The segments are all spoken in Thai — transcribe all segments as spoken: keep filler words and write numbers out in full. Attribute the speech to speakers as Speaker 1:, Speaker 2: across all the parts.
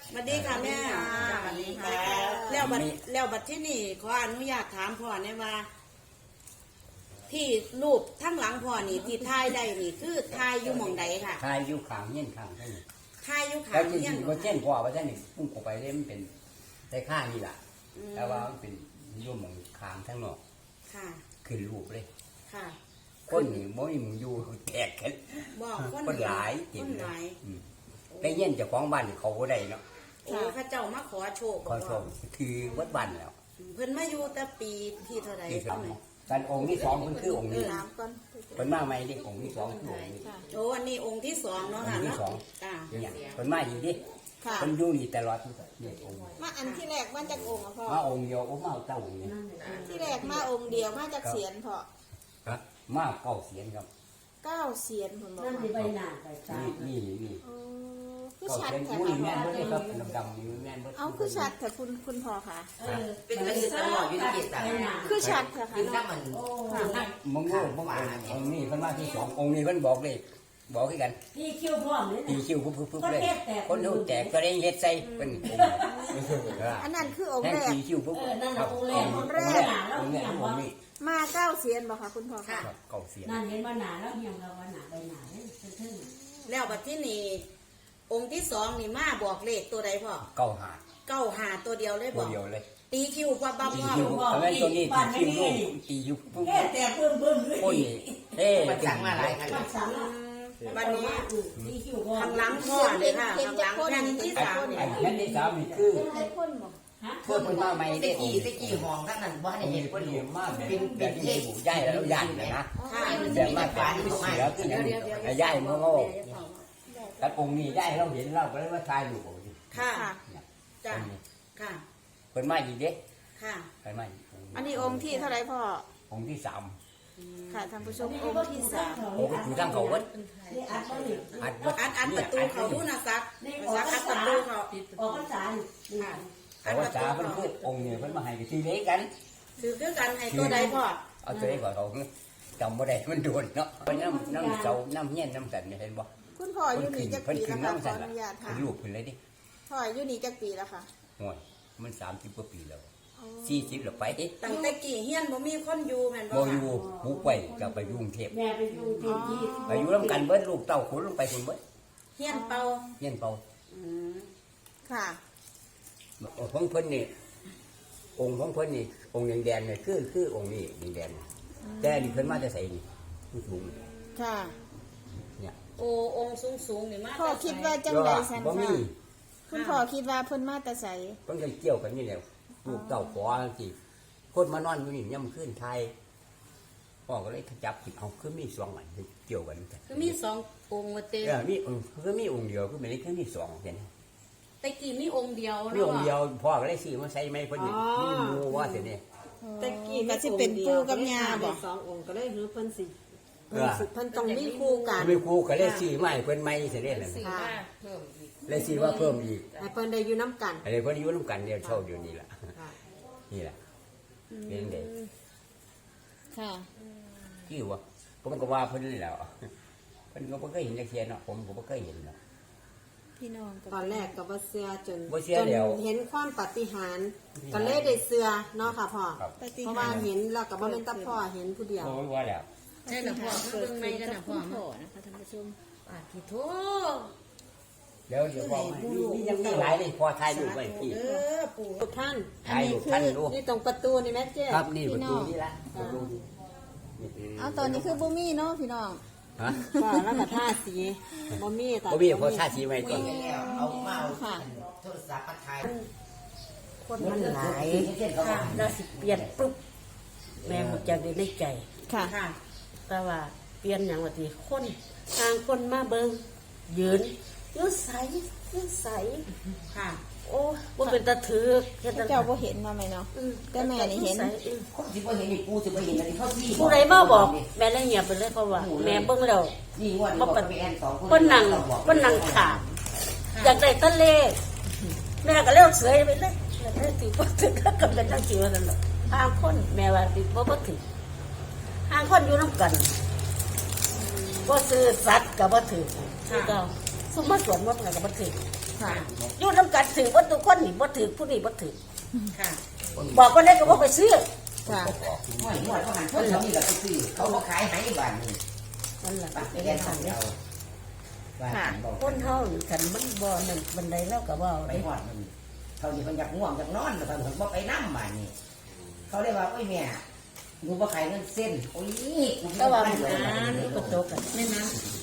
Speaker 1: สวัสดีค่ะแม่สวัสดีค่ะแล้วบัดแล้วบัดที่นี่ขออนุญาตถามพ่อเนี่ยว่า ที่รูปทั้งหลังพ่อนี่ที่ถ่ายได้นี่คือถ่ายอยู่หม่องใดค่ะ
Speaker 2: ถ่ายอยู่ข้างเงี้ยข้างเท่านี้
Speaker 1: ถ่ายอยู่ขา
Speaker 2: แล้ว
Speaker 1: ง
Speaker 2: จริ
Speaker 1: เฮียน
Speaker 2: งๆก็เช่นพ่อว่าเช่นนี่พุ่งออกไปเลยมันเป็นได้ข้างนี่แหละแต่ว่ามันเป็นยุ่มของข้างทั้งนอก
Speaker 1: ค่ะ
Speaker 2: ขึ้นรูปเลย
Speaker 1: ค่ะ
Speaker 2: คนนี่บ่มีมึงอยู่แตกกัน
Speaker 1: บอกคน
Speaker 2: คนหลาย
Speaker 1: ค
Speaker 2: กิน
Speaker 1: นหลาย
Speaker 2: อืมแต่เงี้ยเจ้าของบ้านเขาบ่ได้เนาะ
Speaker 1: โอ้ข้าเจ้ามาขอโชค
Speaker 2: ขอชมคือวัดบ้านแล้ว
Speaker 1: เพิ่นมาอยู่แต่ปีที่เท่าไหร่
Speaker 2: ที่สองการองค์ที่สองมันคือองค์นี้
Speaker 3: ถามก่อน
Speaker 2: เป็นมาใหม่ดิองค์ที่สองคือองค์นี้
Speaker 1: โอ้อันนี้องค์ที่สองเนาะ
Speaker 2: อง
Speaker 1: ค่ะ
Speaker 2: ค์ที่
Speaker 1: เนาะ
Speaker 2: สอง
Speaker 1: จ้า
Speaker 2: เนี่ยเป็นมาอีกดิ
Speaker 3: ค่ะ
Speaker 2: เป็นอยู่นี่ตลอดเนี่ยองค์
Speaker 3: มาอันที่แรกมาจากองค์อะพ่อ
Speaker 2: มาองค์เดียวโอ้มาเอาเต้าองค์นี้
Speaker 3: ที่แรกมาองค์เดียวมาจากเสียนพ่อ
Speaker 2: ครับมาเก้าเสียนครับ
Speaker 3: เก้าเสียนผมบอก
Speaker 4: นั่น
Speaker 3: ว่า
Speaker 4: ที่ใบหน้าใบตา
Speaker 2: นี่นี่นี่
Speaker 3: โอ้คือ
Speaker 2: เก้า
Speaker 3: ชัด
Speaker 2: เสียน
Speaker 3: ค่ะ
Speaker 2: อุ้ยแม่น
Speaker 3: พ่อ
Speaker 2: เบิดเลยครับดำๆนี่แม่นเบิด
Speaker 3: เอาคือชัดค่ะคุณคุณพ่อค่ะ
Speaker 4: เออ
Speaker 5: เป็นกระสือตลอดอยู่ในเกียรติศักดิ์
Speaker 3: คือชัดค่ะ
Speaker 5: คือถ้า
Speaker 3: ค่ะ
Speaker 5: มัน
Speaker 4: โอ้
Speaker 3: ค่ะ
Speaker 2: มึงโง่มึงองค์องค์นี้เพิ่นมาที่สององค์นี้เพิ่นบอกเลยบอกให้กัน
Speaker 4: นี่คิ้วพร้อมเลย
Speaker 2: ตี
Speaker 4: นะ
Speaker 2: คิวปุ๊บๆๆเลยคนรู้แจกก็ได้เฮ็ดใส่เป็นองค์
Speaker 3: อันนั้นคือองค์
Speaker 2: แท่ง
Speaker 3: แรก
Speaker 2: ตีคิวปุ๊บ
Speaker 4: เออนั่น
Speaker 2: ครั
Speaker 4: น่ะ
Speaker 2: บ
Speaker 4: องค์แรก
Speaker 2: องค์แรกองค์แรกองค์นี้
Speaker 3: มาเก้าเสียนบอกค่ะคุณพ่อค่ะ
Speaker 2: ครับเก้าเสียน
Speaker 4: นั่นเห็นว่าหนาแล้วเหี่ยมเราว่าหนาใบหนาเนี่ยเท่ง
Speaker 1: แล้วบัดที่นี่องค์ที่สองนี่มาบอกเลขตัวใดพ่อ
Speaker 2: เก้าหา
Speaker 1: เก้าหาตัวเดียวเลยบ
Speaker 2: ตัว
Speaker 1: อก
Speaker 2: เดียวเลย
Speaker 1: ตีคิวว่าบ้า
Speaker 2: ตี
Speaker 1: พ่อ
Speaker 2: คิวเอาไว้ตัวนี้ตีคิวลูกตีคิวปุ๊บ
Speaker 4: แค่แต่เบิ่มเบิ่มเลย
Speaker 2: โอ้ยเอ๊ะ
Speaker 5: มันสั่งมาหลายครั้ง
Speaker 4: ปักสัง
Speaker 1: วันนี้
Speaker 4: นี่คิ้วพร้อม
Speaker 1: ข้างหลังพ่อเลยค่ะข้างหลังแผ่นที่สาม
Speaker 2: ไอ้แผ่นที่สามนี่คือ
Speaker 3: ใครพ่นบอก
Speaker 4: ฮะ
Speaker 2: เพื่อเป็นมาใหม่
Speaker 5: ตะ
Speaker 2: ได้อง
Speaker 5: กี้
Speaker 2: ค์
Speaker 5: ตะกี้ห้องทั้งนั้นว่าใน
Speaker 2: องค์
Speaker 5: เห็
Speaker 2: นี้
Speaker 5: นค
Speaker 2: เพิ่
Speaker 5: น
Speaker 2: น
Speaker 5: เดี
Speaker 2: เรี
Speaker 5: ย
Speaker 2: ยว นมาเป็นแบบที่บุกย้ายแล้วย้ายนะ
Speaker 1: ค่ะ
Speaker 2: แบบมาเป็นที่เสือขึ้นอย่างนี้ย้ายมือโง่แต่องค์นี้ย้ายเราเห็นเราก็เลยว่าทายอยู่
Speaker 1: ค่ะ
Speaker 3: ค่ะ
Speaker 1: จ้ะค่ะ
Speaker 2: เพิ่นมาอีกเด้
Speaker 1: ค่ะ
Speaker 2: เพิ่นมาอีก
Speaker 3: อันนี้องค์ที่เท่าไหรพ่อ
Speaker 2: องค์ที่สาม
Speaker 3: ค่ะท่านผู้ชมองค์ที่สาม
Speaker 2: โอ้ก็อยู่ทางเขาวัด
Speaker 4: นี่อัดบ่นี่
Speaker 2: อัด
Speaker 1: อัดอัดประตูเขาดูนะซักซักอัดประตูเขา
Speaker 4: ออกพรรษานี่
Speaker 2: แต่ว่าจ๋าเพิ่นพูดองค์นี้เพิ่นมาให้กันทีเล็กกัน
Speaker 1: คือคือกันให้ตัวใดพ่อ
Speaker 2: เอาตัวเล็กกว่าเขาจำบ่ได้มันโดนเนาะเพิ่นน้ำน้ำเสาน้ำเงี้ยนน้ำสันเห็นบ่
Speaker 3: คุณพ่ออยู่นี่จัก
Speaker 2: เพิ่น
Speaker 3: ปี
Speaker 2: ขึ้
Speaker 3: แล้
Speaker 2: น
Speaker 3: วค่ะขอ
Speaker 2: น้ำสัน
Speaker 3: อนุญาต
Speaker 2: เป็
Speaker 3: ถาม
Speaker 2: นรูปเพิ่นเลยดิ
Speaker 3: พ่ออยู่นี่จักปีแล้วค่ะ
Speaker 2: โอ้ยมันสามสิบกว่าปีแล้วสี่สิบแล้วไป
Speaker 1: ตั้งแต่กี่เฮียนบ่มีคนอยู่แม่นบ่
Speaker 2: บ่อ
Speaker 1: ค่ะ
Speaker 2: ยู่บุกไปกลับไปอยู่กรุงเทพ
Speaker 4: แม่ไปอยู่เต็มที่
Speaker 2: ไปอยู่ร่วมกันเบิดลูกเต้าคนลงไปคนเบิด
Speaker 1: เฮียนเป่า
Speaker 2: เงี้ยนเป่า
Speaker 1: อืม
Speaker 3: ค่ะ
Speaker 2: ของเพิ่นนี่องค์ของเพิ่นนี่องค์แดงๆเนี่ยคือคือองค์นี้แดงๆแต่นี่เพิ่นมาจะใส่นี่สูง
Speaker 3: ค่ะ
Speaker 2: เนี่ย
Speaker 1: โอ้องค์สูงสูงๆนี่มา
Speaker 3: พ่อคิดว่าจังไดสัน
Speaker 2: บ่มี
Speaker 3: ค่ะคุณพ่อคิดว่าเพิ่นมาแต่ใส
Speaker 2: เพิ่นก็เกี่ยวกันนี่แหละลูกเต้าขอสิคนมานอนอยู่นี่ย่ำขึ้นไทยพ่อก็เลยจับจิบเอาคือมีสองอันเกี่ยวกันกัน
Speaker 1: คือมีสององค์ว่าเต็ม
Speaker 2: เออมีองค์คือมีองค์เดียวคือไม่ได้คือมีสองเห็นไหม
Speaker 1: แต่กี่มีองค์เดียว
Speaker 2: มี
Speaker 1: เนาะ
Speaker 2: องค์เดียวพ่อก็เลยซื้อมาใส่ไม่เพิ่นนี่มีหมูว่าเสิเนี่ย
Speaker 6: ตะกี้
Speaker 3: ก็สิเป็นปูกับยาบ่
Speaker 6: สององค์ก็เลยหือเพิ่นสิ
Speaker 2: เออ
Speaker 6: เพิ่นต้องมีคู่กัน
Speaker 2: ไม่ครูก็เลยซื้อมาให้เพิ่นไม่เสิเนี่ยนั่น
Speaker 1: สี่ว่าเพิ่มอีก
Speaker 2: เลยซื้อว่าเพิ่มอีก
Speaker 6: ให้เพิ่นได้อยู่น้ำกัน
Speaker 2: อะไรเพิ่นอยู่ร่วมกันเดียวเช่าเดียวนี้ล่ะ
Speaker 6: ค่ะ
Speaker 2: นี่แหละเป็นเด็ก
Speaker 3: ค่ะ
Speaker 2: กี่วะผมก็ว่าเพิ่นนี่แหละเพิ่นก็บ่เคยเห็นจักเทียเนาะผมก็บ่เคยเห็นเนาะ
Speaker 3: พี่น้องกับ
Speaker 6: ตอนแรกก็บ่เชื่อจน
Speaker 2: บ่เชื่อ
Speaker 6: จน
Speaker 2: แล้ว
Speaker 6: เห็นความปาฏิหาริย์ก็เลยได้เชื่อเนาะค่ะพ่อ
Speaker 2: ครับ
Speaker 3: ปฏิ
Speaker 6: เพราะ
Speaker 3: หา
Speaker 6: ว่า
Speaker 3: ริย์
Speaker 6: เห็นแล้วก็บ่แม่นแต่พ่อเห็นผู้เดียว
Speaker 2: โอ้ยว่าแล้ว
Speaker 1: ใช่ละพ่อ
Speaker 3: เกิ
Speaker 1: เบิ่
Speaker 3: ด
Speaker 1: ง
Speaker 3: ขึ้
Speaker 1: ไม่
Speaker 3: น
Speaker 1: กัน
Speaker 3: กับ
Speaker 1: นะพ่
Speaker 3: คุ
Speaker 1: อ
Speaker 3: ณพ่อนะคะท่านผู้ชม
Speaker 1: ปาที่โท
Speaker 2: เดี๋ยวเดี๋ยวพ่อมีมียังมีหลายเลยพ่อถ่ายรูปไว้พี่
Speaker 1: เออปู่
Speaker 6: ทุกท่าน
Speaker 3: อัน
Speaker 2: ถ่าย
Speaker 3: นี้
Speaker 2: รูป
Speaker 3: คือ
Speaker 2: ท่านดู
Speaker 6: นี่ตรงประตูนี่แม่เจ้
Speaker 2: ครับนี่ประตูนี่ละประตูนี่
Speaker 3: เอาตอนนี้คือบ่มีเนาะพี่น้อง
Speaker 2: ฮะ
Speaker 6: พ่อแล้วก็ท่าสีบ่มีตอน
Speaker 2: บ่มีเพราะท่าสีไว้ก่อน
Speaker 5: แล้วเอามาเอาโทรศัพท์มาถ่าย
Speaker 4: คนมันหลายแล้วสิเปลี่ยนปุ๊บแม่หมดจะได้ในใจ
Speaker 3: ค่ะ
Speaker 1: ค่ะ
Speaker 4: แต่ว่าเปลี่ยนอย่างว่าทีคนทางคนมาเบิงยืนยืนใสยืนใส
Speaker 1: ค่ะ
Speaker 4: โอ้ว่าเป็นตะถือเฮ็ด
Speaker 3: พระเจ้าบ่เห็นมาไหมเนาะ แต่แม่นี่เห็น
Speaker 5: คนสิบ่เห็นนี่กูสิบ่เห็นอันนี้เขาที่
Speaker 4: ผู้ใดมาบอก แม่เลยเงียบไปเลยเพราะว่า แม่เบิ่งแล้ว
Speaker 5: นี่งวดนี้บอกไปแอนสองคน
Speaker 4: คนนั่งคนนั่งขาดอยากได้ตะเลขแม่ก็เลี้ยวเสยไปเลยแม่ได้ถือว่าถึงก็เป็นตั้งจิ๋วนั่นแหละห่างคนแม่ว่าติดว่าบ่ถึงห่างคนอยู่น้ำกันว่าซื้อสัตว์กับบ่ถึงคือเก่าสมมาสวนมดกันกับบ่ถึง
Speaker 3: ค่ะ
Speaker 4: อยู่น้ำกันถือว่าทุกคนนี่บ่ถือผู้นี้บ่ถือ
Speaker 1: ค่ะ
Speaker 4: บอกคนได้ก็บ่ไปซื้อ
Speaker 3: ค่ะ
Speaker 5: หวยหวยเขาหันคนเขานี่ก็ไปซื้อเขาบ่ขายให้บ้านนี่
Speaker 4: นั่นแหละ
Speaker 5: ปักไปแอนสองเดียวบ้านบอก
Speaker 4: คนเฮานี่คันมันบ่นั่นบันไดแล้วก็บ่เอา
Speaker 5: ไป
Speaker 4: ได้
Speaker 5: หอดมันเขานี่มันอยากง่วงอยากนอนแต่เขาบ่ไปนั่งบ้านนี่เขาเลยว่าโอ้ยแม่กูบ่ขายเงินเส้นโอ้ยกู
Speaker 4: แต่
Speaker 5: บ่
Speaker 4: ว่า
Speaker 5: ขาย
Speaker 4: มัน
Speaker 5: เงิน
Speaker 4: อ่านก็ตกกัน
Speaker 1: แม่นะ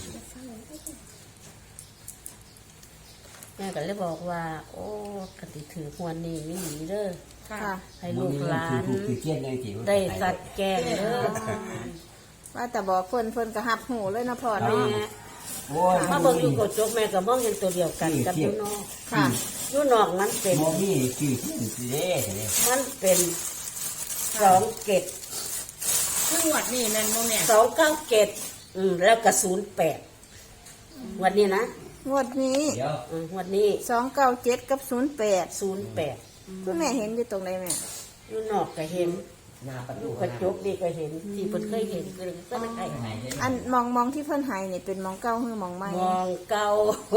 Speaker 4: แม่ก็เลยบอกว่า โอ้กติถือหวนนี่มีหนีเด้อ
Speaker 1: ค่ะ
Speaker 3: ค่ะ
Speaker 4: ให้ลูกหลาน
Speaker 2: คือคือเทียนในที่
Speaker 4: ได้สัตว์แกงเด้อ
Speaker 3: ว่าแต่บอกเพิ่นเพิ่นก็หับหูเลยนะพ่อ
Speaker 4: แม่
Speaker 3: เนาะ
Speaker 2: โอ้ย
Speaker 4: มาเบิ่งอยู่กระจกแม่ก็มองเห็นตัวเดียวกันกับอยู่นอก
Speaker 3: ค่ะ
Speaker 4: อยู่นอกมันเป็น
Speaker 2: โมมี่คือเทียนสิเด้เด้
Speaker 4: มันเป็นสองเกต
Speaker 1: ซึ่งงวดนี้แม่นบ่แม่
Speaker 4: สองเก้าเกตอืมแล้วก็ศูนย์แปดวันนี้นะ
Speaker 3: งวดนี้
Speaker 2: เดี๋ยว
Speaker 4: อืมวันนี้
Speaker 3: สองเก้าเจ็ดกับศูนย์แปด
Speaker 4: ศูนย์แปด
Speaker 3: คุณแม่เห็นอยู่ตรงไหนแม่
Speaker 4: อยู่นอกก็เห็น
Speaker 5: หน้าประ
Speaker 4: อ
Speaker 5: ตู
Speaker 4: ยู่กระจกดีก็เห็นที่เพิ่นเคยเห็นก็เลยก็เลยให้
Speaker 3: อันมองมองที่เพิ่นใหายนี่เป็นมองเก้าหรือมองไม่
Speaker 4: มองเก่าม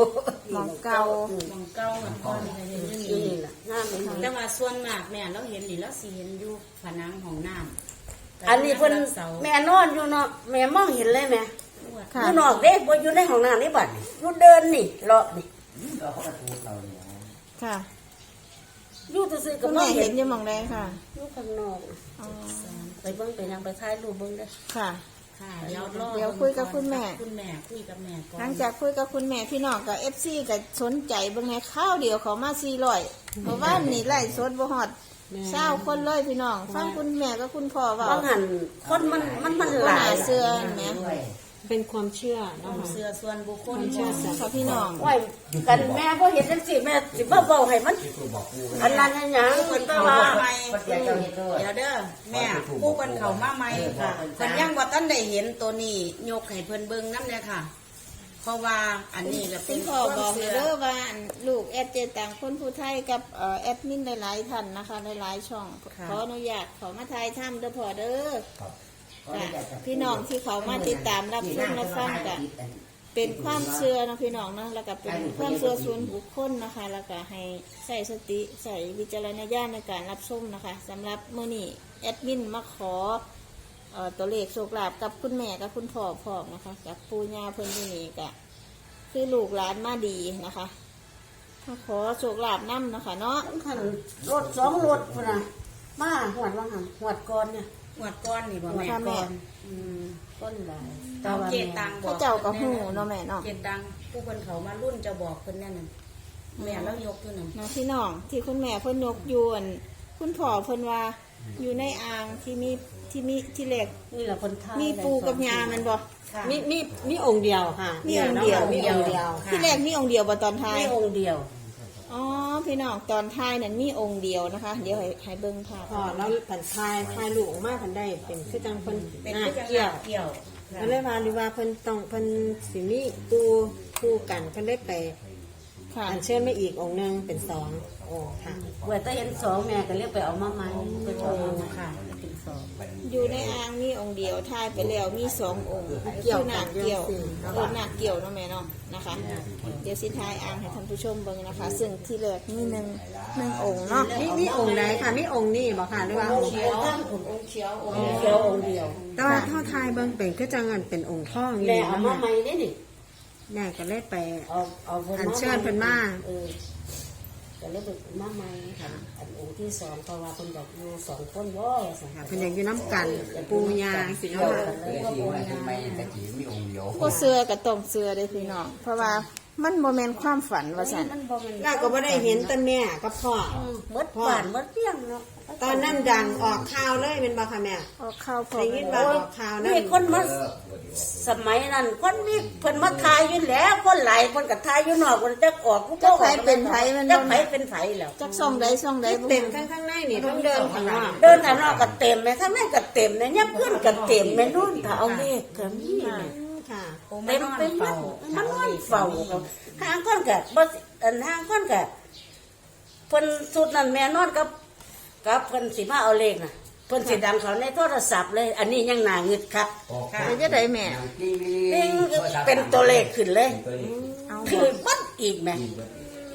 Speaker 3: องเก่า
Speaker 1: มองเก้ามันก็นี่ก็เห็นอยู่
Speaker 4: อื
Speaker 1: นี่
Speaker 4: มน่ะงามเลย
Speaker 1: แต่ว่าส่วนมากแม่เราเห็นนี่เราสิเห็นอยู่ผนังของน้ำ
Speaker 4: อันนี้เพิ่น
Speaker 1: เสา
Speaker 4: แม่นอนอยู่เนาะแม่มองเห็นเลยแม่
Speaker 3: ค่ะ
Speaker 4: อยู่นอกเด้บ่อยู่ในห้องน้ำนี่บัดนี่อยู่เดินนี่เลาะนี่
Speaker 5: เราเขาประตูเราเนี่ย
Speaker 3: ค่ะ
Speaker 4: อยู่ซื่อๆก็
Speaker 3: คุณ
Speaker 4: มอ
Speaker 3: แม่
Speaker 4: ง
Speaker 3: เห็
Speaker 4: เห็
Speaker 3: น
Speaker 4: น
Speaker 3: อยู่มองใดค่ะ
Speaker 4: อยู่ข้างนอก
Speaker 3: อ๋อ
Speaker 4: ไปเบิ่งไปยังไปถ่ายรูปเบิ่งเด้อ
Speaker 3: ค่ะ
Speaker 1: ค่ะเดี๋ยวรอ
Speaker 3: เดี๋ยวคุยกับคุณแม่
Speaker 1: คุณแม่คุยกับแม่ก่อน
Speaker 3: หลังจากคุยกับคุณแม่พี่น้องกับเอฟซีกับสนใจเบิ่งในข้าวเดียวเขามาสี่ร้อยเพราะว่านี่ไล่สดบ่ฮอดเศร้าคนเลยพี่น้อง ฟังคุณแม่กับคุณพ่อเว่า
Speaker 4: บางหันคนมันมันมันหลาย
Speaker 3: เสื้อแม่
Speaker 5: ด้วย
Speaker 6: เป็นความเชื่อ
Speaker 1: ค
Speaker 6: เนาะ
Speaker 1: วาม
Speaker 6: ค่ะ
Speaker 1: เชื่อส่วนบุคคล
Speaker 3: เชื่อค่ะพี่น้อง
Speaker 4: โอ้ยกันแม่บ่เห็นจังซี่แม่สิบ่เว้าให้มันอันนั้นอันหยังเพิ่น
Speaker 1: เพิ่น
Speaker 4: ว่า
Speaker 1: ว่าใหม่
Speaker 5: ก็เสียเจ้าเฮ็ดด้วย
Speaker 1: เดี๋ยวเด้อแม่ผู้เพิ่นเข้ามาใหม่ค่ะเพิ่นยังบ่ทันได้เห็นตัวนี้ยกให้เพิ่นเบิ่งนำเลยค่ะ เพราะว่าอันนี้ก็เป็
Speaker 3: คุ
Speaker 1: น
Speaker 3: ณพ่อบอกเลยเด้อว่าอันลูกแอดเจต่างคนผู้ไทยกับเอ่อแอดมินหลายๆท่านนะคะหลายๆช่องขออนุญาตขอมาทายถ้ำเด้อพ่อเด้อค่ะพี่น้องที่เขามาติดตามรับชมรับฟังกัน เป็นความเชื่อเนาะพี่น้องเนาะแล้วก็เป็นความเชื่อส่วนบุคคลนะคะ แล้วก็ให้ใส่สติใส่วิจารณญาณในการรับชมนะคะสำหรับมื้อนี้แอดมินมาขอเอ่อตัวเลขโชคลาภกับคุณแม่กับคุณพ่อพร้อมนะคะกับปู่ย่าเพิ่นที่นี่ก็คือลูกหลานมาดีนะคะมาขอโชคลาภนํนะคะเนาะ
Speaker 4: คันรถสองรถพุ่นน่ะมาหวดว่าหันหวดก่อนเนี่ย
Speaker 1: งวดก้อนนี่บ่
Speaker 4: หวด
Speaker 1: แม่
Speaker 4: ก่อนอืมก้นหลาย
Speaker 1: เอาเจตังบ
Speaker 3: เขา
Speaker 1: อก
Speaker 3: เจ้ากับหูเนาะแม่เนาะ
Speaker 1: เจตังผู้เพิ่นเข้ามารุ่นจะบอกเพิ่นแน่นั่นแม่แล้วยกอยู่นั่น
Speaker 3: นะพี่น้องที่คุณแม่เพิ่นยกยวนคุณพ่อเพิ่นว่าอยู่ในอ่างที่มีที่มีที่เหล็ก
Speaker 4: นี่แหละคนไทย
Speaker 3: มีปูกับยามันบ่
Speaker 1: ค่ะ
Speaker 6: มีมีมีองค์เดียวค่ะ
Speaker 3: มีองค์เดียว
Speaker 6: มีองค์เดียว
Speaker 3: ที่แรกมีองค์เดียวบ่ตอนท้าย
Speaker 4: มีองค์เดียว
Speaker 3: อ๋อพี่น้องตอนท้ายนั้นมีองค์เดียวนะคะ เดี๋ยวให้ให้เบิ่งภาพ
Speaker 6: พอแล้วผันทายทายลูกออกมาผันได้เป็นคือจังเพิ่น
Speaker 1: เป็น
Speaker 6: หน้า
Speaker 1: คือจัง
Speaker 6: เกี่ยว
Speaker 1: เกี่ยว
Speaker 6: ก็เลยว่าหรือว่าเพิ่นต้องเพิ่นสิมีปูคู่กันเพิ่นได้ไป
Speaker 3: ค่ะ
Speaker 6: อันเชิญมาอีกองค์หนึงเป็นสององค์ค่ะ
Speaker 4: เวลาเห็นสองแม่ก็เรียกไปเอามาใหม่ไปเอามาใหม่ค่ะเป็นสอง
Speaker 3: อยู่ในอ่างมีองค์เดียวท้ายไปแล้วมีสององค์คือหนักเกี่ยวเออหนักเกี่ยวเนาะแม่เนาะนะคะ เดี๋ยวสิท้ายอ่างให้ท่านผู้ชมเบิ่งนะคะ ซึ่งที่แรกมีหนึ่งหนึ่งองค์เนาะ
Speaker 6: มีมีองค์ใดค่ะมีองค์นี้บ่ค่ะหรือว่าองค์
Speaker 1: เขียวองค์เขียวองค์
Speaker 4: เดียวองค์เดียว
Speaker 6: แต่ว่าเท่าทายเบิ่งเป็นคือจังอันเป็นองค์ทองอยู่
Speaker 4: แม่
Speaker 6: นี่
Speaker 4: เอา
Speaker 6: เนาะ
Speaker 4: มา
Speaker 6: แม่
Speaker 4: ใหม่ได้นี่
Speaker 6: แม่ก็เลยไป
Speaker 4: เอาเอา
Speaker 6: อัญเชิญเพิ่นมา
Speaker 4: เออก็เลยไปมาใหม่ค่ะอันองค์ที่สองเพราะว่าเพิ่นอยากอยู่สองคนบ่สิ
Speaker 6: ค่ะเพิ่นอยากอยู่น้ำกันปูยาสิเนาะค่ะ
Speaker 2: เออที่ว่าทำไมแต่ที่มีองค์เดียว
Speaker 3: ก็เสือกับต้องเสือเด้อพี่น้องเพราะว่ามันโมเมนความฝันว่าสัน
Speaker 4: มันบ่แม่น
Speaker 6: เราก็บ่ได้เห็นแต่แม่กับพ่อ
Speaker 4: หมดบ้านหมดเปี้ยงเนาะ
Speaker 6: ตอนนั้นดังออกข่าวเลยเป็นบ่ค่ะแม่
Speaker 3: ออกข้าวพอ
Speaker 6: ได้ยินว่าออกข่าวนั่น
Speaker 4: มีคนมาสมัยนั้นคนมีเพิ่นมาทายอยู่แล้วคนหลายคนก็ทายอยู่นอกคนจักออกผู้
Speaker 3: จักไผเป็นไผมัน
Speaker 4: จั
Speaker 3: บ่
Speaker 4: กไผเป็นไผแล้ว
Speaker 3: จักซ่องใดซ่องใดบ่
Speaker 6: เต็มข้างข้างในนี่ต้องเดินข้างนอก
Speaker 4: เดินทางนอกก็เต็มแม่ทางในก็เต็มนะยับขึ้นก็เต็มแม่นู่นถ้าเอาเลขก็มีแม่
Speaker 6: ค่ะ
Speaker 4: เต็มเป็นมันมันนอนเฝ้าทางคนก็บ่อันทางคนก็เพิ่นสุดนั้นแม่นอนกับกับเพิ่นสิมาเอาเลขน่ะเพิ่นสิดังเขาในโทรศัพท์เลย อันนี้ยังน่าเงึดคัก
Speaker 3: เป็นจะได้แม่
Speaker 4: นิ่งเป็นตัวเลขขึ้นเลย
Speaker 3: เอา
Speaker 4: คือบัดอีกแม่
Speaker 3: โ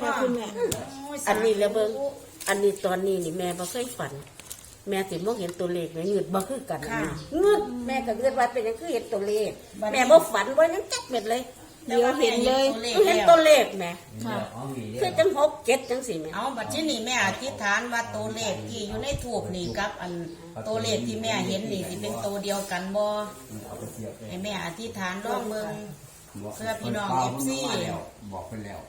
Speaker 3: ค่ะคุณแม่
Speaker 4: อันนี้แล้วเบิ่งอันนี้ตอนนี้นี่แม่บ่เคยฝัน แม่สิมองเห็นตัวเลขแม่เงืดบ่คือกันนะเงืดแม่ก็เงืดว่าเป็นหยังคือเห็นตัวเลข แม่บ่ฝันบ่ยังจักเม็ดเลย
Speaker 3: เดี๋ยวเห็นเลย
Speaker 4: เห็นตัวเลขแม่
Speaker 3: ค่ะ
Speaker 4: คือจังหกเจ็ดจังสี่แม่
Speaker 1: เอาบัดที่นี่แม่อธิษฐานว่าตัวเลขที่อยู่ในทูบนี่กับ อันตัวเลขที่แม่เห็นนี่สิเป็นตัวเดียวกันบ่ให้แม่อธิษฐานลองเบิ่ง เพื่อพี่น้อง เอฟ ซี
Speaker 2: บอกไปแล้ว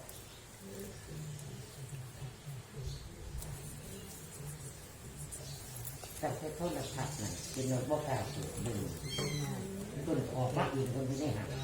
Speaker 5: แต่แค่โทษทัศน์น่ะเป็นรถบ่กล้าสูบดึงคนออกมาอีกคนที่ได้หัก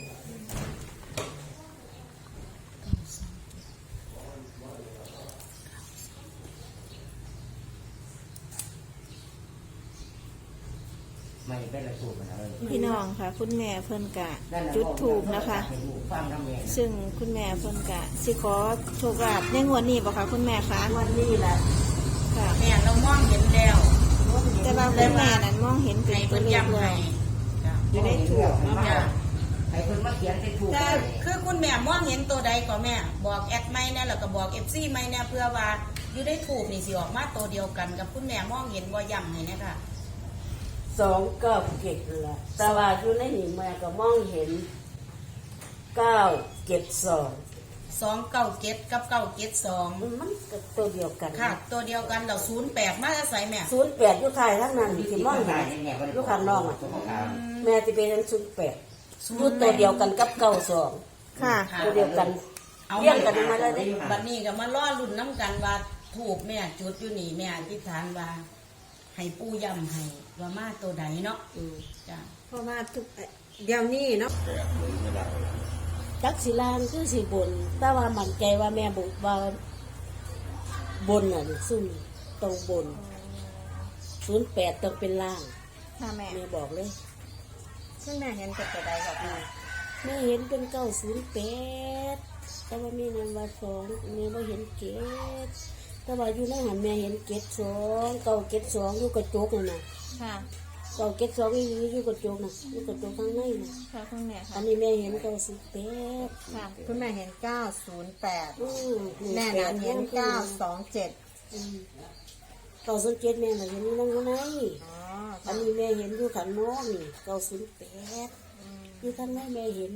Speaker 5: ไม่เป็นระสูบมันเลย
Speaker 3: พี่น้องค่ะ คุณแม่เพิ่นกะจุดถูกนะคะ
Speaker 5: ฟังน้ำแม่
Speaker 3: ซึ่งคุณแม่เพิ่นกะสิขอโชคลาภในงวดนี้บ่คะคุณแม่คะ
Speaker 4: วันนี้แหละ
Speaker 3: ค่ะ
Speaker 1: แม่เรามองเห็นแล้ว
Speaker 3: แต่ว่าคุณแม่นั้นมองเห็นเป็น
Speaker 1: ให้
Speaker 3: ตั
Speaker 1: เพิ่
Speaker 3: วนเลข
Speaker 1: ย้ำ
Speaker 3: เล
Speaker 1: ให้
Speaker 3: ย
Speaker 1: จ้ะ
Speaker 5: อยู่ในถูกนะ
Speaker 1: จ้ะ
Speaker 5: ให้คนมาเขียนเป็นถูก
Speaker 1: แต่คือคุณแม่มองเห็นตัวใดก็แม่ บอกแอดไม่แน่แล้วก็บอก เอฟ ซี ไม่แน่เพื่อว่าอยู่ได้ถูกนี่สิออกมาตัวเดียวกันกับคุณแม่มองเห็นบ่ย้ำให้เนี่ยค่ะ
Speaker 4: สองเก้าเจ็ดนั่นแหละแต่ว่าอยู่ในนี่แม่ก็มองเห็นเก้าเจ็ดสอง
Speaker 1: สองเก้าเจ็ดกับเก้าเจ็ดสอง
Speaker 4: มันก็ตัวเดียวกัน
Speaker 1: ค่ะ ตัวเดียวกันเราศูนย์แปดมาอาศัยแม่
Speaker 4: ศูนย์แปดอยู่ไทยทั้งนั้นที่มองเห็นอยู่ข้างนอกอ่ะแม่จะเป็นศูนย์แปดอยู่ตัวเดียวกันกับเก้าสอง
Speaker 3: ค่ะ
Speaker 4: ตัวเดียวกัน
Speaker 1: เอา
Speaker 4: เรียงกันมาเลยเด้
Speaker 1: บัดนี้ก็มาล่อรุ่นน้ำกันว่าถูกแม่จุดอยู่นี่แม่อธิษฐานว่าให้ปู่ย้ำให้ว่ามาตัวใดเนาะ
Speaker 4: อืม
Speaker 1: จ้ะ
Speaker 6: เพราะว่าทุกเดี๋ยวนี้เนาะ
Speaker 4: จักสิลางคือสิบนแต่ว่ามั่นใจว่าแม่บอกว่าบนน่ะนี่ซุ่มตรงบนศูนย์แปดต้องเป็นล่าง
Speaker 3: ค่ะแม่
Speaker 4: แม่บอกเลย
Speaker 6: คุณแม่เห็นเป็นตัวใดกับแม่
Speaker 4: แม่เห็นเป็นเก้าศูนย์แปดแต่ว่าแม่นันว่าสองแม่ว่าเห็นเกตแต่ว่าอยู่ในหันแม่เห็นเกตสองเก้าเกตสองอยู่กระจกน่ะนะ
Speaker 3: ค่ะ
Speaker 4: เก้าเกตสองอยู่อยู่กระจกน่ะอยู่กระจกข้างในน่ะ
Speaker 3: ค่ะคุณแม่
Speaker 4: อั
Speaker 3: ค่ะ
Speaker 4: นนี้แม่เห็นเก้าสิบแปด
Speaker 3: ค่ะ
Speaker 6: คุณแม่เห็นเก้าศูนย์แปด
Speaker 4: อืม
Speaker 6: แม่นั้นเห็นเก้าสองเจ็ด
Speaker 4: อืมเก้าสิบเจ็ดแม่น่ะเห็นอยู่นั่งข้างใน
Speaker 6: อ๋อ
Speaker 4: อันนี้แม่เห็นอยู่ขันนอกนี่เก้าสิบแปดอยู่ข้างในแม่เห็น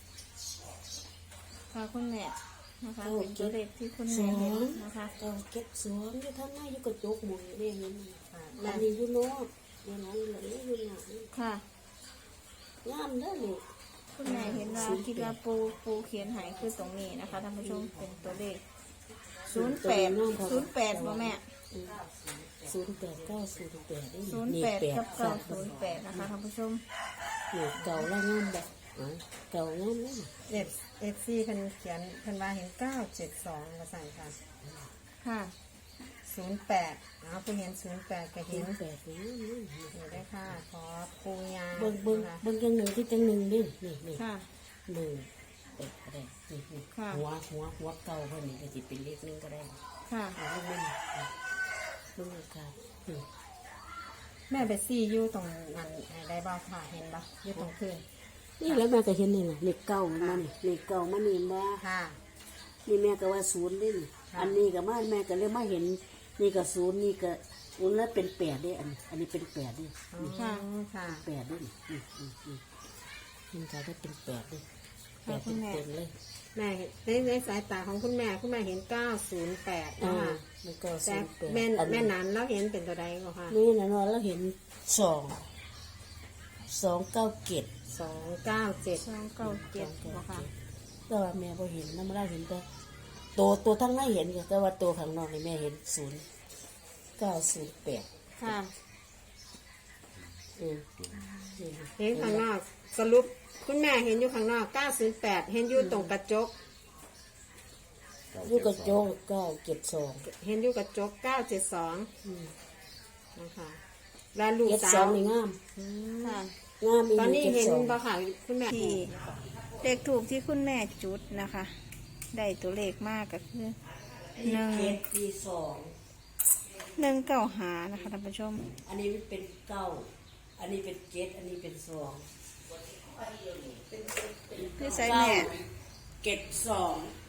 Speaker 3: ค่ะคุณแม่นะคะเป็นตัวเลขที่คุณแม่เห็นนะคะ
Speaker 4: เก้าเก็บสองอยู่ข้างในอยู่กระจกหมดแม่เห็นอันนี้อยู่นอกแม่นั้นเลยอยู่หนัง
Speaker 3: ค่ะ
Speaker 4: งามเด้อนี่
Speaker 3: คุณแม่เห็นว่าคิดว่าปูปูเขียนใหายคือตรงนี้นะคะท่านผู้ชมเป็นตัวเลขศูนย์แปดศูนย์แปดบ่แม่
Speaker 4: ศูนย์แปดเก้าศูนย์แปดนี่
Speaker 3: ศูนย์แปดกับเก้าศูนย์แปดนะคะท่านผู้ชม
Speaker 4: นี่เก่าแล้วงามแบบอ๋อเก่างามเลย
Speaker 6: เอฟเอฟซีเพิ่นเขียนเพิ่นว่าเห็นเก้าเจ็ดสองมาสั่งค่ะ
Speaker 3: ค่ะ
Speaker 6: ศูนย์แปดอ๋อเพิ่นเห็นศูนย์แปดก็
Speaker 4: ศู
Speaker 6: เห็น
Speaker 4: นย์แปดนี่
Speaker 6: อยู่ได้ค่ะขอปูยา
Speaker 4: เบิ่งเบิ่งเบิ่งจังหนึ่งที่จังหนึ่งนี่นี่นี่
Speaker 3: ค่ะ
Speaker 4: หนึ่งเอ็ดก็ได้นี่นี่
Speaker 3: ค่ะ
Speaker 4: หัวหัวหัวเก่าเพิ่นนี่ก็จะเป็นเลขหนึ่งก็ได้
Speaker 3: ค่ะ
Speaker 4: เอาเบิ่งเบิ่งเบิ่งค่ะนี่
Speaker 6: แม่ไปซี่อยู่ตรงนั้นได้บ้างค่ะเห็นปะอยู่ตรงพื้น
Speaker 4: นี่แล้วแม่ก็เห็นนี่แหละเลขเก้ามันมานี่เลขเก้ามันนี่มา
Speaker 6: ค่ะ
Speaker 4: นี่แม่ก็ว่าศูนย์นี่นี่
Speaker 6: ค่ะ
Speaker 4: อันนี้ก็มาแม่ก็เลยมาเห็น นี่ก็ศูนย์นี่ก็ศูนย์แล้วเป็นแปดเด้อันนี้อันนี้เป็นแปดเด้
Speaker 6: อ๋อค่ะ
Speaker 4: แปดเด้นี่นี่นี่นี่มันก็ได้เป็นแปดเด้แปดเป็นเต็มเลย
Speaker 6: แม่ในในสายตาของคุณแม่คุณแม่เห็นเก้าศูนย์แปด
Speaker 4: อ่า
Speaker 6: นะคะ
Speaker 4: มันก็
Speaker 6: แต่
Speaker 4: ศูนย์แปด
Speaker 6: แม่
Speaker 4: อัน
Speaker 6: แม่
Speaker 4: นี้
Speaker 6: นั้นแล้วเห็นเป็นตัวใดก็ค่ะ
Speaker 4: นี่นะเนาะแล้วเห็นสองสองเก้าเจ็ด
Speaker 6: สองเก้าเจ็ด
Speaker 3: สองเก้าเจ็ดบ่ค่ะ
Speaker 4: แต่ว่าแม่พอเห็นน้ำมันได้เห็นแต่ตัวตัวทั้งไม่เห็นแต่ว่าตัวข้างนอกนี่แม่เห็นศูนย์เก้าศูนย์แปด
Speaker 3: ค่ะ
Speaker 4: อืม
Speaker 6: เห็นข้างนอกสรุปคุณแม่เห็นอยู่ข้างนอกเก้าศูนย์แปดเห็นอยู่ตรงกระจก
Speaker 4: ลูกกระโจกเก้าเจ็ดสอง
Speaker 6: เห็นอยู่กระจกเก้าเจ็ดสอง
Speaker 4: อืม
Speaker 6: นะคะแล้วลูก
Speaker 4: เจ็ด
Speaker 6: สา
Speaker 4: สอ
Speaker 6: ว
Speaker 4: งนี่งาม
Speaker 3: ค่ะ
Speaker 4: งามอีก
Speaker 6: ตอนนี้
Speaker 4: เจ็ด
Speaker 6: เห็น
Speaker 4: สอง
Speaker 6: บ่ค่ะคุณแม่
Speaker 3: ที่เลขถูกที่คุณแม่จุดนะคะ ได้ตัวเลขมากก็คือหนึ่ง
Speaker 4: เจ็ดปีสอง
Speaker 3: หนึ่งเก้าหานะคะท่านผู้ชม
Speaker 4: อันนี้มันเป็นเก้าอันนี้เป็นเจ็ดอันนี้เป็นสอง
Speaker 3: คือใส่แม่
Speaker 4: เจ็ดสอง
Speaker 3: อ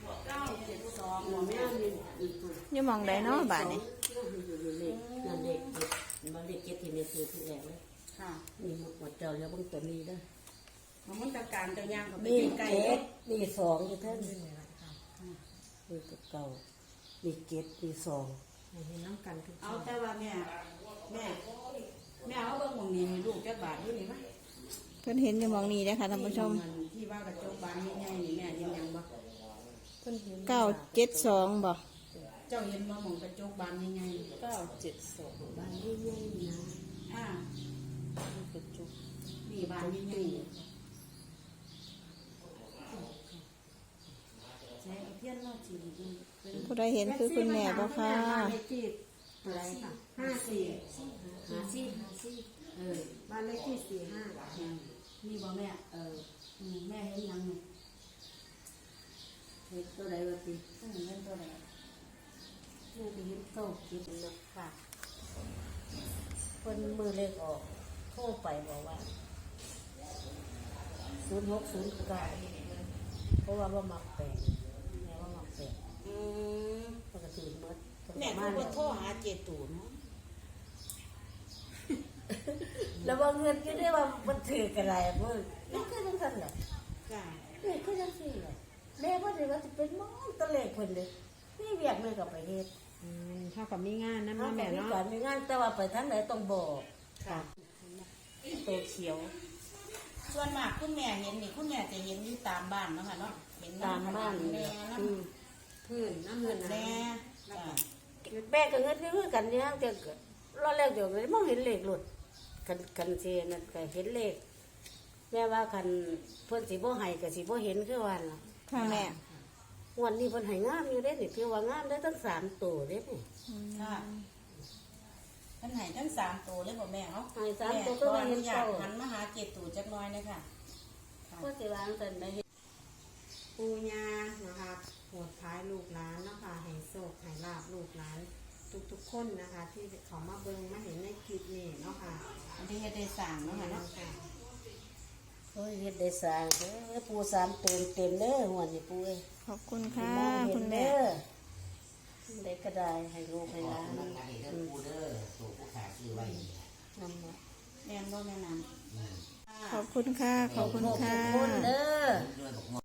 Speaker 1: เก้าเจ็ดสองบ่แม่
Speaker 3: อยู่หมองใดเนาะบาดนี้
Speaker 4: เลขนั่นเลขเจ็ดมาเลขเจ็ดที่เนี่ยคือที่แรกเลย
Speaker 1: ค่ะ
Speaker 4: นี่หมดเจ้าแล้วเบิ่งตัวนี้เด้อ
Speaker 1: มันตะการจะย่างเขาไป
Speaker 4: นี่
Speaker 1: ใกล้
Speaker 4: เจ็ดนี่สองอยู่เท่านี้นี่ตัวเก่านี่เจ็ดนี่สอง
Speaker 6: เห็นน้ำกันทุก
Speaker 1: เอาแต่ว่าแม่แม่แม่เอาเบิ่งหมองนี้ให้ลูกจักบาทอยู่นี่มั้ย
Speaker 3: เพิ่นเห็นอยู่หมองนี้เด้อค่ะท่านผู้ชม
Speaker 1: ที่ว่ากระจกบานใหญ่ๆนี่แม่เห็นยังบ่
Speaker 4: เพิ่นเห็น
Speaker 3: เก้าเจ็ดสองบ่
Speaker 1: เจ้าเห็นบ่หมองกระจกบานใหญ่ๆ
Speaker 4: เก้าเจ็ดสองบ้านใหญ่ๆนะ
Speaker 1: อ่า
Speaker 4: กระจุก
Speaker 1: นี่บานใหญ่ๆใช้เพี้ยนเนาะจีเป็น
Speaker 3: ผู้ใดเห็นคือคุณแม่บ่ค่ะ
Speaker 6: อะไรค่ะห้าสี่
Speaker 1: หาซี่หาซี่เออ
Speaker 6: บ้านเลขที่สี่ห้า
Speaker 1: นี่บ่แม่เอออืมแม่เห็นยังนี่
Speaker 4: เห็นตัวใดว่าติ
Speaker 1: เพิ่นเห็นตัวใด
Speaker 4: แม่ไปเห็นเก้าเจ็ดนะค่ะเพิ่นมือเลขออกโทรไปบอกว่าศูนย์หกศูนย์เก้าเพราะว่าว่ามักแปลงแม่ว่ามักแปลง
Speaker 1: อืม
Speaker 4: ปกติเมื่อ
Speaker 1: แม่ก็บ่โทรหาเจตูเนาะ
Speaker 4: แล้วว่าเงินก็ได้ว่ามันถือกันไรเมื่อนี่คือจังซั่นแหละ
Speaker 1: จ้า
Speaker 4: นี่คือจังซี่แหละแม่ว่าเดี๋ยวว่าจะเป็นหมองตะเลขเพิ่นเลยนี่เวียกแม่ก็ไปเฮ็ด
Speaker 6: อืมเท่ากับมีงานนะ
Speaker 4: เขา
Speaker 6: แม่
Speaker 4: ก็มี
Speaker 6: เนาะ
Speaker 4: การมีงานแต่ว่าไปทางไหนต้องบอก
Speaker 1: ค่ะ
Speaker 4: ตัวเขียว
Speaker 1: ส่วนมากคุณแม่เห็นนี่คุณแม่จะเห็นอยู่ตามบ้านเนาะค่ะเนาะเห็น
Speaker 4: ตามบ้าน
Speaker 1: แม่
Speaker 4: เนี่ย
Speaker 1: น้
Speaker 4: อืม
Speaker 6: พื้นน้ำเงิน
Speaker 1: ำ
Speaker 6: นะ
Speaker 1: แม่จ้า
Speaker 4: แม่ก็เงินคือกันเนี่ยจะรอแรกเดี๋ยวเลยมองเห็นเลขหลุดกันกันเซนั่นก็เห็นเลขแม่ว่าคันเพิ่นสิบ่ให้ก็สิบ่เห็นคือวันล่ะ
Speaker 3: ค่ะแม่
Speaker 4: วันนี้เพิ่นให้งามอยู่เด้นี่คือว่างามได้ตั้งสามตัวเด้นี่
Speaker 1: ค่ะท่านไหนทั้งสามตัวเลยบ่แม่เนาะ
Speaker 4: ให้สาม
Speaker 1: แม่
Speaker 4: ตัว
Speaker 1: ข
Speaker 4: ก็
Speaker 1: อ
Speaker 4: ไม่
Speaker 1: อ
Speaker 4: เห็
Speaker 1: นุ
Speaker 4: น
Speaker 1: ญาต
Speaker 4: เต้า
Speaker 1: หันมาหาเจตูจักหน้อยนะคะ
Speaker 4: ก็สิวางแต่ได้เห็น
Speaker 6: ปูญานะคะโหดท้ายลูกหลานเนาะคะให้โศกให้ลาบลูกหลานทุกๆคนนะคะ ที่เขามาเบิ่งมาเห็นในคลิปนี้เนาะค่ะ
Speaker 1: อันที่เฮ็ดได้สั่งเนาะค่ะเนาะ
Speaker 6: ค่ะ
Speaker 4: โอ้ยเฮ็ดได้สร้างเด้อปูสามตัวเต็มเด้อหัวนี่ปูเอ้ย
Speaker 3: ขอบคุณค่ะ
Speaker 4: มองเห็
Speaker 3: คุ
Speaker 4: น
Speaker 3: ณแม่
Speaker 4: เด้อได้ก็ได้ให้ลูกให้หลาน
Speaker 5: นั่นนี่เด้อปูเด้อตัวผู้ขาซื้อไว้
Speaker 4: นำมา
Speaker 1: แม่นบ่แม่นำ
Speaker 3: ขอบคุณค่ะ ขอบคุณค่ะ
Speaker 4: ทุกคนเด้อ
Speaker 5: ด้วยบอก